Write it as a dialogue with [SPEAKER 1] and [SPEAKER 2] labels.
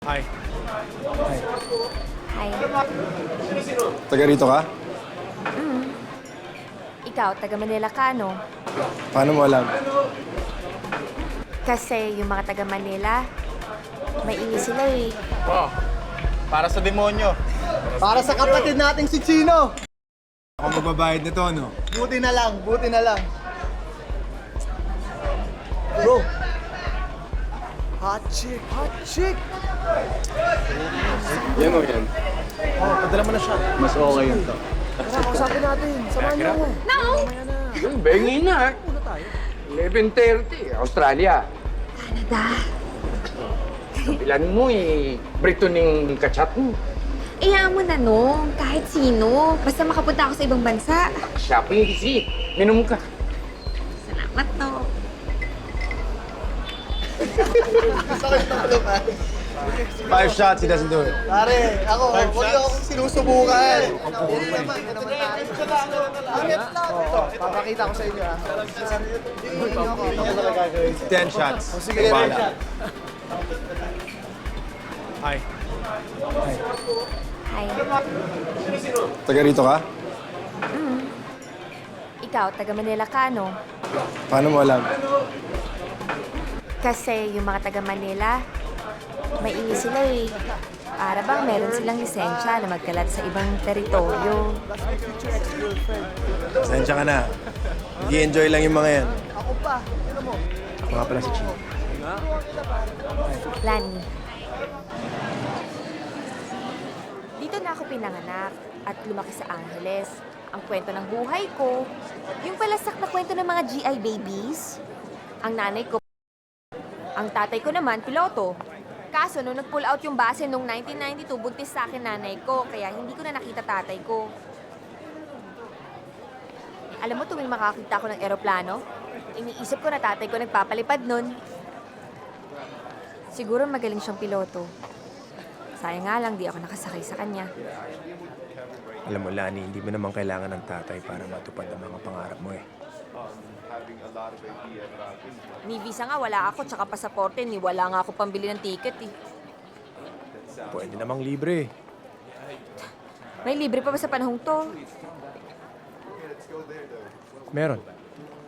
[SPEAKER 1] Hi.
[SPEAKER 2] Hi.
[SPEAKER 3] Taga rito ka?
[SPEAKER 2] Ikaw, taga Manila ka, no?
[SPEAKER 3] Paano mo alam?
[SPEAKER 2] Kasi yung mga taga Manila, mainis sila eh.
[SPEAKER 1] Wow. Para sa demonyo.
[SPEAKER 4] Para sa kapatid nating si Chino.
[SPEAKER 3] Ako magbabayad nito, no?
[SPEAKER 4] Buti na lang, buti na lang. Bro. Hot chick, hot chick.
[SPEAKER 3] Yan o yan.
[SPEAKER 4] Oh, padala mo na siya.
[SPEAKER 3] Mas okay yun to.
[SPEAKER 4] Tara, kausapin natin. Samahan niyo ako.
[SPEAKER 5] Yung bengi na. 11:30, Australia.
[SPEAKER 2] Canada.
[SPEAKER 5] Kapilan mo Brito ning kachat mo.
[SPEAKER 2] Iyaan mo na, no? Kahit sino. Basta makapunta ako sa ibang bansa.
[SPEAKER 5] Shopping visit. Minum ka.
[SPEAKER 2] Salamat, to.
[SPEAKER 4] Sakit na ulo ka.
[SPEAKER 3] 5 shots, he doesn't do it.
[SPEAKER 4] Pare, ako, huwag niyo akong sinusubukan. Hindi naman, hindi naman tayo. Angit lang. Papakita ko sa inyo, ha. Hindi niyo ako. Hindi niyo talaga gagawin.
[SPEAKER 3] 10 shots.
[SPEAKER 4] Sige,
[SPEAKER 3] Bahala.
[SPEAKER 1] Hi.
[SPEAKER 2] Hi.
[SPEAKER 3] Taga rito ka?
[SPEAKER 2] Ikaw, taga Manila ka, no?
[SPEAKER 3] Paano mo alam?
[SPEAKER 2] Kasi yung mga taga Manila, mainis sila eh. Para bang meron silang lisensya na magkalat sa ibang teritoryo.
[SPEAKER 3] Sensya ka na. Nag-i-enjoy lang yung mga yan.
[SPEAKER 4] Ako pa. Ano mo?
[SPEAKER 3] Ako nga pala si Chino.
[SPEAKER 2] Lani. Dito na ako pinanganak at lumaki sa Angeles. Ang kwento ng buhay ko, yung palasak na kwento ng mga GI babies. Ang nanay ko, ang tatay ko naman, piloto. Kaso, nung nag-pull out yung base noong 1992, buntis sa akin nanay ko, kaya hindi ko na nakita tatay ko. Alam mo, tuwing makakita ko ng eroplano, iniisip ko na tatay ko nagpapalipad nun. Siguro magaling siyang piloto. Sayang nga lang, di ako nakasakay sa kanya.
[SPEAKER 3] Alam mo, Lani, hindi mo naman kailangan ng tatay para matupad ang mga pangarap mo eh.
[SPEAKER 2] Ni visa nga, wala ako, tsaka pasaporte, ni wala nga ako pambili ng ticket eh.
[SPEAKER 3] Pwede namang libre eh.
[SPEAKER 2] May libre pa ba sa panahong to?
[SPEAKER 3] Meron.